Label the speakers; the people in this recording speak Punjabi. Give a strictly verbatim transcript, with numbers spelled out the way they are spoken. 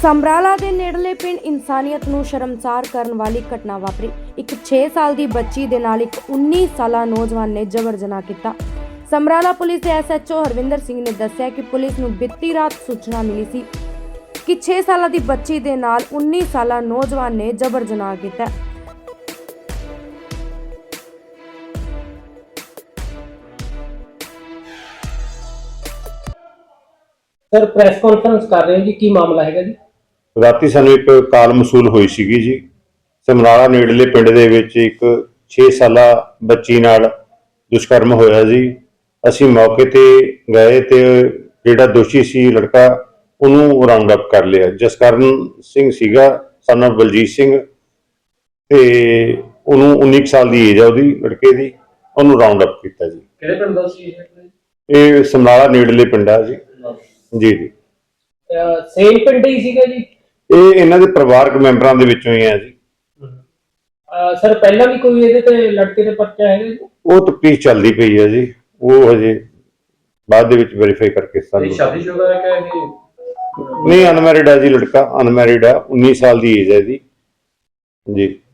Speaker 1: ਸਮਰਾਲਾ ਦੇ ਨੇੜਲੇ ਪਿੰਡ ਇਨਸਾਨੀਅਤ ਨੂੰ ਸ਼ਰਮਸਾਰ ਕਰਨ ਵਾਲੀ ਘਟਨਾ ਵਾਪਰੀ। ਇੱਕ ਛੇ ਸਾਲ ਦੀ ਬੱਚੀ ਦੇ ਨਾਲ ਇੱਕ ਉੱਨੀ ਸਾਲਾ ਨੌਜਵਾਨ ਨੇ ਜਬਰ ਜਨਾਹ ਕੀਤਾ। ਸਮਰਾਲਾ ਪੁਲਿਸ ਦੇ S H O Harvinder Singh ਨੇ ਦੱਸਿਆ ਕਿ ਪੁਲਿਸ ਨੂੰ ਬੀਤੀ ਰਾਤ ਸੂਚਨਾ ਮਿਲੀ ਸੀ ਕਿ ਛੇ ਸਾਲਾਂ ਦੀ ਬੱਚੀ ਦੇ ਨਾਲ ਉੱਨੀ ਸਾਲਾ ਨੌਜਵਾਨ ਨੇ ਜਬਰ ਜਨਾਹ ਕੀਤਾ।
Speaker 2: सर प्रेस कॉन्फ्रेंस कर रहे हैं जी, की मामला है जी?
Speaker 3: ਰਾਤੀ ਸਾਨੂੰ ਇੱਕ ਕਾਲ ਮਸੂਲ ਹੋਈ ਸੀਗੀ ਜੀ। ਸਮਰਾਲਾ ਨੇੜਲੇ ਪਿੰਡ ਦੇ ਵਿੱਚ ਇੱਕ ਛੇ ਸਾਲਾ ਬੱਚੀ ਨਾਲ ਦੁਸ਼ਕਰਮ ਹੋਇਆ ਜੀ। ਅਸੀਂ ਮੌਕੇ ਤੇ ਗਏ ਤੇ ਜਿਹੜਾ ਦੋਸ਼ੀ ਸੀ ਲੜਕਾ ਉਹਨੂੰ ਰਾਉਂਡ ਅਪ ਕਰ ਲਿਆ। ਜਸਕਰਨ ਸਿੰਘ ਸੀਗਾ ਸਨ ਆਫ ਬਲਜੀਤ ਸਿੰਘ ਤੇ ਉਹਨੂੰ ਉੱਨੀ ਸਾਲ ਦੀ ਏਜ ਆ ਉਹਦੀ ਲੜਕੇ ਦੀ, ਉਹਨੂੰ ਰਾਉਂਡ ਅਪ ਕੀਤਾ ਜੀ।
Speaker 2: ਕਿਹੜੇ ਪਿੰਡ ਦਾ ਸੀ
Speaker 3: ਇਹ ਸਮਰਾਲਾ ਨੇੜਲੇ ਪਿੰਡ ਆ ਜੀ। ਜੀ ਜੀ
Speaker 2: ਸੇਮ ਪਿੰਡ ਹੀ ਸੀਗਾ ਜੀ?
Speaker 3: ਇਹ ਇਹਨਾਂ ਦੇ ਪਰਿਵਾਰਕ ਮੈਂਬਰਾਂ ਦੇ ਵਿੱਚੋਂ ਹੀ ਆ ਜੀ।
Speaker 2: ਸਰ ਪਹਿਲਾਂ ਵੀ ਕੋਈ ਇਹਦੇ ਤੇ ਲੜਕੇ ਦੇ ਪਰਚਾ ਹੈਗਾ ਜੀ?
Speaker 3: ਉਹ ਤਫਤੀਸ਼ ਚੱਲਦੀ ਪਈ ਹੈ ਜੀ, ਉਹ ਹਜੇ ਬਾਅਦ ਦੇ ਵਿੱਚ ਵੈਰੀਫਾਈ ਕਰਕੇ ਸਾਨੂੰ।
Speaker 2: ਸ਼ਾਦੀशुदा है क्या ये?
Speaker 3: ਨਹੀਂ, ਅਨਮੈਰਿਡ ਹੈ ਜੀ ਲੜਕਾ, ਅਨਮੈਰਿਡ ਆ, ਉੱਨੀ ਸਾਲ ਦੀ ਏਜ ਹੈ ਜੀ। ਜੀ